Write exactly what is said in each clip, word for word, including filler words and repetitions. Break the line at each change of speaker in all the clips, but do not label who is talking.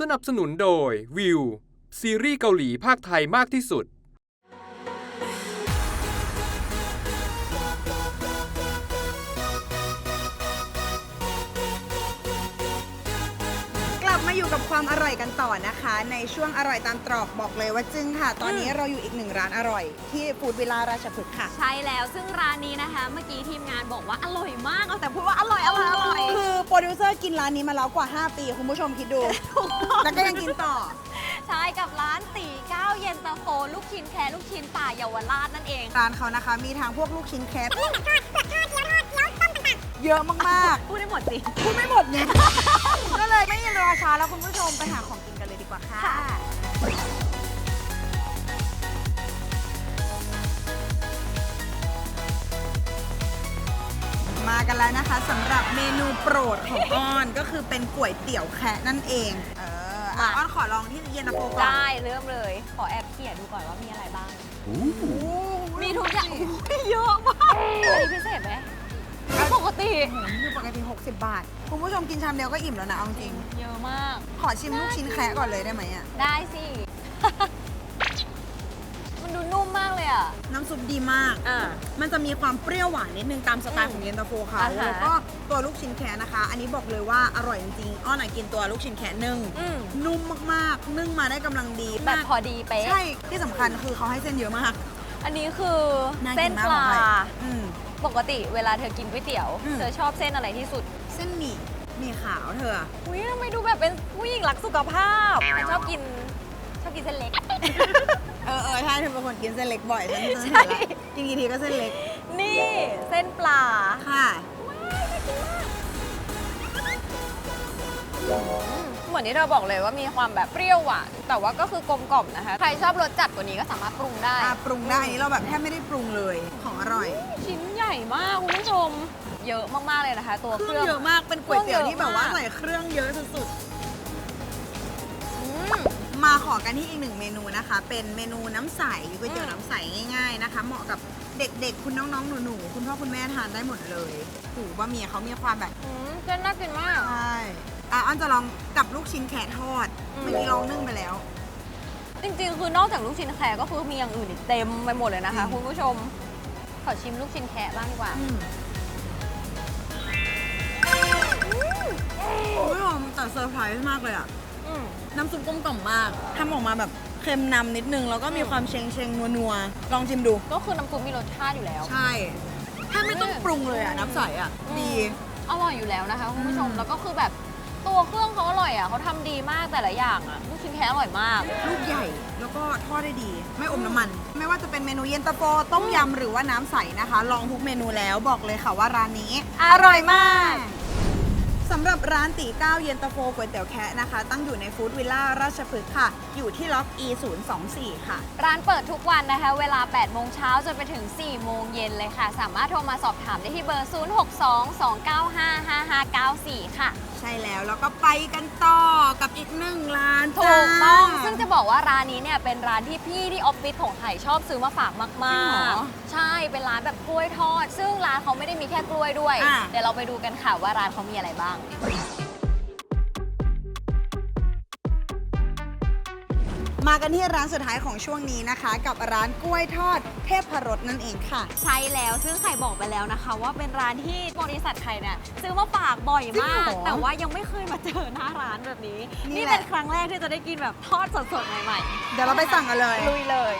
นับสนุนโดยวิวซีรีส์เกาหลีภาคไทยมากที่สุด
มาอยู่กับความอร่อยกันต่อนะคะในช่วงอร่อยตามตรอกบอกเลยว่าจึ้งค่ะตอนนี้เราอยู่อีกหนึ่งร้านอร่อยที่ฟู้ดวิลล่าราชพฤกษ์ค่ะ
ใช่แล้วซึ่งร้านนี้นะคะเมื่อกี้ทีมงานบอกว่าอร่อยมากเอาแต่พูดว่าอร่อยอร่อยอร่อย
คือโปรดิวเซอร์กินร้านนี้มาแล้วกว่าห้าปีคุณผู้ชมคิดดูแล้วก็ยังกินต่อ
ใช่กับร้านตีเก้าเย็นตาโฟลูกชิ้นแค่ลูกชิ้นป่าเยาวราชนั่นเอง
ร้านเขานะคะมีทั้งพวกลูกชิ้นแคปเปลือกทอดเปลือกทอดเกี๊ยวทอดเกี๊ยวต้มต่างๆเยอะมาก
ๆพูดได้หมดสิ
พูดไม่หมดไงก็เลยไม่รอช้าแล้วคุณผู้ชมไปหาของกินกันเลยดีกว่าค่ะมากันแล้วนะคะสำหรับเมนูโปรดของอ้อนก็คือเป็นก๋วยเตี๋ยวแคะนั่นเองเอออ่ะอ้อนขอลองที่เย็นตาโฟก่อน
ได้เริ่มเลยขอแอบเขี่ยดูก่อนว่ามีอะไรบ้างมีทุกอย่างเยอะมากมีพิเศษไหมปกติ
คือปกติหกสิบบาทคุณผู้ชมกินชามเดียวก็อิ่มแล้วนะเอาจริง
เยอะมาก
ขอชิมลูกชิ้นแคะก่อนเลยได้ไหมอ่ะ
ได้สิมันดูนุ่มมากเลยอ่ะ
น้ำซุปดีมากอ่ามันจะมีความเปรี้ยวหวานนิดนึงตามสไตล์ของเย็นตาโฟค่ะแล้วก็ตัวลูกชิ้นแคะนะคะ อันนี้บอกเลยว่าอร่อยจริงๆอ้อนกินตัวลูกชิ้นแคะนึ่งนุ่มมากๆนึ่งมาได้กำลังดี
แบบพอดีเป๊ะ
ใช่ที่สำคัญคือเขาให้เส้นเยอะมาก
อันนี้คือเส้นปลาปกติเวลาเธอกินก๋วยเตี๋ยวเธอชอบเส้นอะไรที่สุด
เส้นหมี่หมี่ขาวเธอ
อุ้ยทำไมดูแบบเป็นผู้หญิงรักสุขภาพชอบกินชอบกินเส้นเล็ก
เออเออใช่เธอเป็นคนกินเส้นเล็กบ่อยฉันใช่กินกี่ทีก็เส้นเล็ก
นี่เส้นปลา
ค่ะ
เหมือนที่เธอบอกเลยว่ามีความแบบเปรี้ยวหวานแต่ว่าก็คือกลมกล่อมนะคะใครชอบรสจัดกว่านี้ก็สามารถปรุงได้
ปรุงได้อันนี้เราแบบแทบไม่ได้ปรุงเลยของอร่อย
ชิ้นใหญ่มากคุณผู้ชมเยอะมากๆเลยนะคะตัวเครื่อง
เยอะมากเป็นก๋วยเตี๋ยวที่แบบว่าใส่เครื่องเยอะสุดๆมาขอกันที่อีกหนึ่งเมนูนะคะเป็นเมนูน้ำใสก๋วยเตี๋ยวน้ำใสง่ายๆนะคะเหมาะกับเด็กๆคุณน้องๆหนูๆคุณพ่อคุณแม่ทานได้หมดเลยหูบะหมี่เขามีความแบบ
เส้นน่ากินมาก
ใช่อ่ะอันจะลองกับลูกชิ้นแคะทอดเมื่อกี้ลองนึ่งไปแล้ว
จริงๆคือนอกจากลูกชิ้นแคะก็คือมีอย่างอื่นอีกเต็มไปหมดเลยนะคะคุณผู้ชมขอชิมลูกชิ้นแคะบ้างดีกว่า
คุณผู้ชมแต่เซอร์ไพรส์มากเลยอ่ะน้ำซุปกลมกล่อมมากทำออกมาแบบเค็มนำนิดนึงแล้วก็มีความเชงเชงนัวนัวลองชิมดู
ก็คือน้ำซุปมีรสชาติอยู่แล้ว
ใช่ถ้าไม่ต้องปรุงเลยอ่ะน้ำใสอ่ะดี
อร่อยอยู่แล้วนะคะคุณผู้ชมแล้วก็คือแบบตัวเครื่องเขาอร่อยอ่ะเขาทำดีมากแต่ละอย่างอ่ะลูกชิ้นแคะอร่อยมาก
ลูกใหญ่แล้วก็ทอดได้ดีไม่อมน้ำมันไม่ว่าจะเป็นเมนูเย็นตาโฟต้มยำหรือว่าน้ำใสนะคะลองทุกเมนูแล้วบอกเลยค่ะว่าร้านนี้
อร่อยมาก
สำหรับร้านตีเก้าเย็นตาโฟก๋วยเตี๋ยวแคะนะคะตั้งอยู่ในฟู้ดวิลล่าราชพฤกษ์ค่ะอยู่ที่ล็อก อี ศูนย์ สอง สี่ ค่ะ
ร้านเปิดทุกวันนะคะเวลาแปดโมงเช้าจนไปถึงสี่โมงเย็นเลยค่ะสามารถโทรมาสอบถามได้ที่เบอร์ศูนย์ หก สอง สอง เก้า ห้า ห้า ห้า เก้า สี่ค่ะ
ใช่แล้วแล้วก็ไปกันต่อกับอีกหนึ่งร้าน
ถูกต้องซึ่งจะบอกว่าร้านนี้เนี่ยเป็นร้านที่พี่ที่ออฟฟิศของไข่ชอบซื้อมาฝากมากๆใช่เป็นร้านแบบกล้วยทอดซึ่งร้านเขาไม่ได้มีแค่กล้วยด้วยเดี๋ยวเราไปดูกันค่ะว่าร้านเขามีอะไรบ้าง
มากันที่ร้านสุดท้ายของช่วงนี้นะคะกับร้านกล้วยทอดเทพรสนั่นเองค่ะ
ใช่แล้วซึ่งไข่บอกไปแล้วนะคะว่าเป็นร้านที่บริษัทไข่เนี่ยซื้อมาฝากบ่อยมากแต่ว่ายังไม่เคยมาเจอหน้าร้านแบบนี้นี่เป็นครั้งแรกที่จะได้กินแบบทอดสดๆใหม่
ๆเดี๋ยวเราไปสั่งกันเลย
ลุยเลย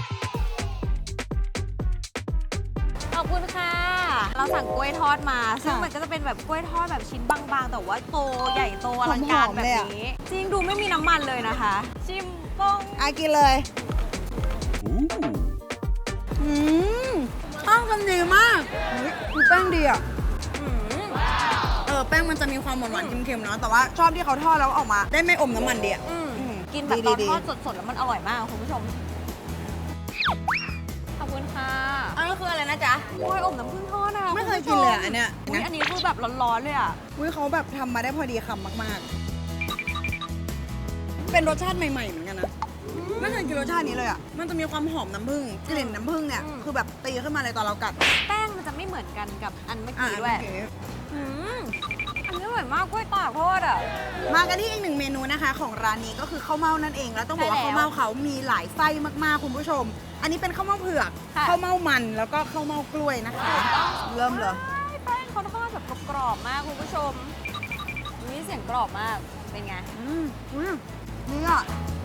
ขอบคุณค่ะเราสั่งกล้วยทอดมาซึ่งมันก็จะเป็นแบบกล้วยทอดแบบชิ้นบางๆแต่ว่าโตใหญ่โตอลังการแบบนี้จริงดูไม่มีน้ำมันเลยนะคะชิม
อากินเลยอืมข้าวกันดีมากคือแป้งดีอ่ะเออแป้งมันจะมีความหวานๆเค็มๆเนาะแต่ว่าชอบที่เขาทอดแล้วออกมาได้ไม่อมน้ำมันดีอ่ะ
กินแบบตอนทอดสดๆแล้วมันอร่อยมากคุณผู้ชมขอบคุณค่ะ
อันนี้คืออะไรนะจ๊ะ
กล้วยอบน้ำผึ้งทอดอะ
ไม่เคยกินเลยอันเนี้ย
อันนี้คือแบบร้อนๆเลยอ่ะ
อุ้ยเขาแบบทำมาได้พอดีคำมากๆเป็นรสชาติใหม่ๆเหมือนกันนะไม่เคยกินรสชาตินี้เลยอ่ะมันจะมีความหอมน้ำผึ้งกลิ่นน้ำผึ้งเนี่ยคือแบบตีขึ้นมาเลยตอนเรากัด
แป้งมันจะไม่เหมือนกันกับอันเมื่อกี้ด้วยอันนี้อร่อยมากกล้วยตากทอดอ่ะ
มากันที่อีกหนึ่งเมนูนะคะของร้านนี้ก็คือข้าวเม่านั่นเองแล้วต้องบอกว่า
ใช่แล้ว
ข้าวเม่าเขามีหลายไส้มากๆคุณผู้ชม อันนี้เป็นข้าวเม่าเผือก
ค่ะ
ข้าวเม่ามันแล้วก็ข้าวเม่ากล้วยนะคะ เริ่มเลย
แป้งเขาทอดแบบกรอบๆมากคุณผู้ชมนี่เสียงกรอบมากเป็นไง
อืมอุ้ยนี่อ่ะ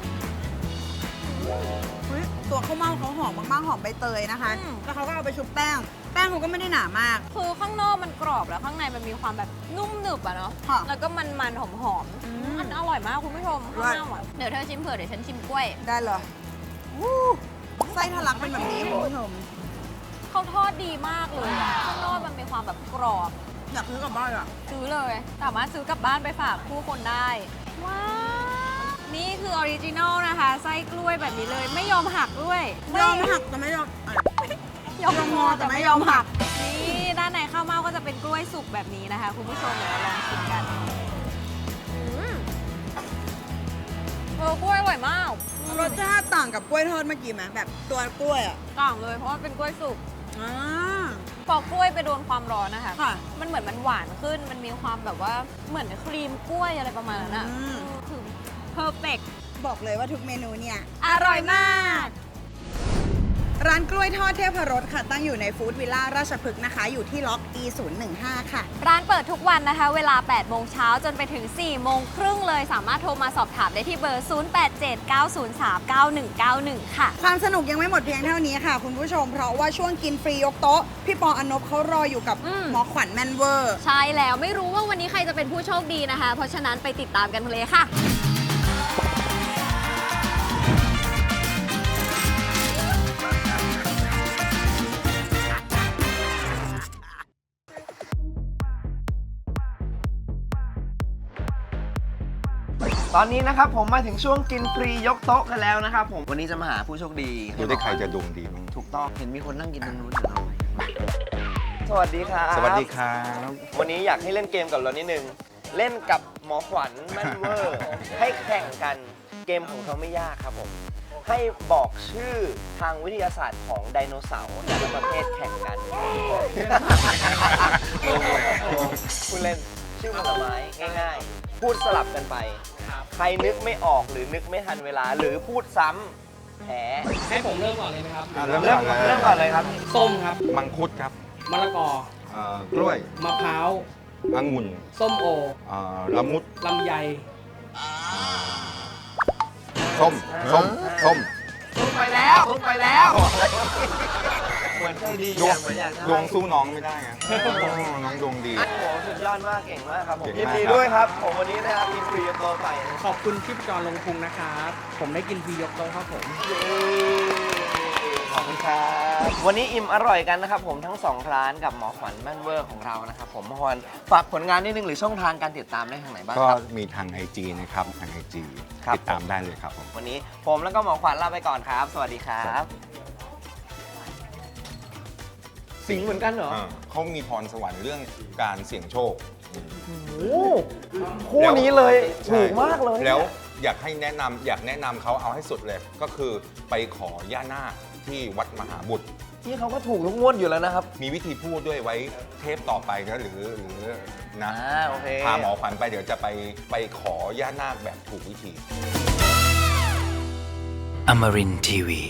อุ๊ยตัวข้าวเม่าเขาหอมมากๆหอมใบเตยนะคะ
อืม
แล้วเขาก็เอาไปชุบแป้ง แป้งเขาก็ไม่ได้หนามาก
คือข้างนอกมันกรอบแล้วข้างในมันมีความแบบนุ่มหนึบอะเนาะ
ค่ะ
แล้วก็มันๆหอม
อืม
ๆอันอร่อยมากคุณผู้ชม
อร่
ข้า
อ
วย หน้าอ่ะเดี๋ยวเธอชิมเผื่อเดี๋ยวฉันชิมกล้วย
ได้เลยวู้ไส้ทะลักเป็นแบบนี้คุณผู้ชม
เขาทอดดีมากเลยอะข้างนอกมันมีความแบบกรอบ
อยากซื้อกลับบ้านอ่ะ
ซื้อเลยสามารถซื้อกลับบ้านไปฝากผู้คนได้ ว้าว นี่คือออริจินอลนะคะ ไส้กล้วยแบบนี้เลยไม่ยอมหักด้วย
ยอมหักแต่ไม่ยอมอ่ะ
ยอม
ยอม
ง
ง
อ
อ
แต่
แต่ไม่
ไม่
ย
ย
อ
อ
ม
ม
หั
หั
ก
ก นี่ด้านในข้าวเม่าก็จะเป็นกล้วยสุกแบบนี้นะคะ คุณผู้ชมเดี๋ยวเราลองชิมกันอืมเออกล้วยอร่อยมาก
รสชาติต่างกับกล้วยทอดเมื่อกี้ไหมแบบตัวกล้วยอ่ะ
ต่างเลยเพราะว่าเป็นกล้วยสุก
อ่า
พอกล้วยไปโดนความร้อนนะคะ
ค่ะ
มันเหมือนมันหวานขึ้น มันมีความแบบว่าเหมือนครีมกล้วยอะไรประมาณนั้นอะ
อืม
คือเพอร์เฟก
บอกเลยว่าทุกเมนูเนี่ย
อร่อยมาก
ร้านกล้วยทอดเทพรสค่ะ ตั้งอยู่ในฟู้ดวิลล่าราชพฤกษ์นะคะ อยู่ที่ล็อก อี ศูนย์หนึ่งห้า ค่ะ
ร้านเปิดทุกวันนะคะ เวลา แปดโมงเช้าจนไปถึง สี่โมงครึ่งเลย สามารถโทรมาสอบถามได้ที่เบอร์ ศูนย์ แปด เจ็ด เก้า ศูนย์ สาม เก้า หนึ่ง เก้า หนึ่ง ค่ะ
ความสนุกยังไม่หมดเพียงเท่านี้ค่ะ คุณผู้ชม เพราะว่าช่วงกินฟรียกโต๊ะ พี่ปออนบเขารออยู่กับ
อืม
หมอขวัญแมนเวอร์
ใช่แล้วไม่รู้ว่าวันนี้ใครจะเป็นผู้โชคดีนะคะ เพราะฉะนั้นไปติดตามกันเลยค่ะ
ตอนนี้นะครับผมมาถึงช่วงกินฟรียกโต๊ะกันแล้วนะครับผมวันนี้จะมาหาผู้โชคดี
ดูได้ใครจะดวงดีมั้ง
ถูกต้องเห็นมีคนนั่งกินตรงนู้นเดี๋ยวเราสวัสดีครับ
สวัสดีครับ
วันนี้อยากให้เล่นเกมกับเรานิดนึงเล่นกับหมอขวัญแม่นเวอร์ ให้แข่งกันเกมของเขาไม่ยากครับผมให้บอกชื่อทางวิทยาศาสตร์ของไดโนเสาร์แต่ละประเภทแข่งกัน คุณเล่นชื่อผลไม้ง่ายๆ พูดสลับกันไป ใครนึกไม่ออกหรือนึกไม่ทันเวลา หรือพูดซ้ำแพ้
ให้ผมเริ่มก่อนเลยไหมครับ
อ่ะเริ่ม
เริ่
ก่
ม
อนเลย
เริ่มก่อนเลยครับ
ส้มครับ
มังคุดครับ
มะละกอ
เอ่อกล้วย
มะพร้าว
องุ่น
ส้มโอ
เอ่อละมุด
ลำไย
ส้มส้มส้ม
ลงไปแล้วลงไปแล้วเหมือนใจดี
ดวง
เหมือนอยากจะ
ดวงสู้น้องไม่ได้ไงน้องดวงดี
โอ้โหสุดยอดมากเก่งมากครับผม
เก่ง
ยิน
มาก
ดี
ครับ
ด้วยครับผมวันนี้นะครับมีฟรีโตไป
ขอบคุณชิปจรลงพุงนะครับ ผมได้กินฟรียกโต๊ะครับผม
ขอบคุณครับวันนี้อิ่มอร่อยกันนะครับผมทั้งสองร้านกับหมอขวัญแม่นเวอร์ของเรานะครับผมหมอขวัญฝากผลงานนิดนึงหรือช่องทางการติดตามได้ทางไหนบ้าง
ก็
ครับ
มีทาง ไอ จี นะครับทาง ไอ จี
ครับ
ติดตามได้เลยครับผม
วันนี้ผมแล้วก็หมอขวัญลาไปก่อนครับ สวัสดีครับ สิงห์เหมือนกันเหรอ
อ่าเขามีพรสวรรค์เรื่องการเสี่ยงโชค
โอ้คู่นี้เลยถูกมากเลย
แล้วอยากให้แนะนำอยากแนะนำเขาเอาให้สุดเลย ก็คือไปขอย่านาคที่วัดมหาบุตร
ที่เขาก็ถูกทุกงวดอยู่แล้วนะครับ
มีวิธีพูดด้วยไว้เทปต่อไปนะหรือหรือนะ
อ่าโอเค
พาหมอขวัญไปเดี๋ยวจะไปไปขอย่านาคแบบถูกวิธี
Amarin Tiwi.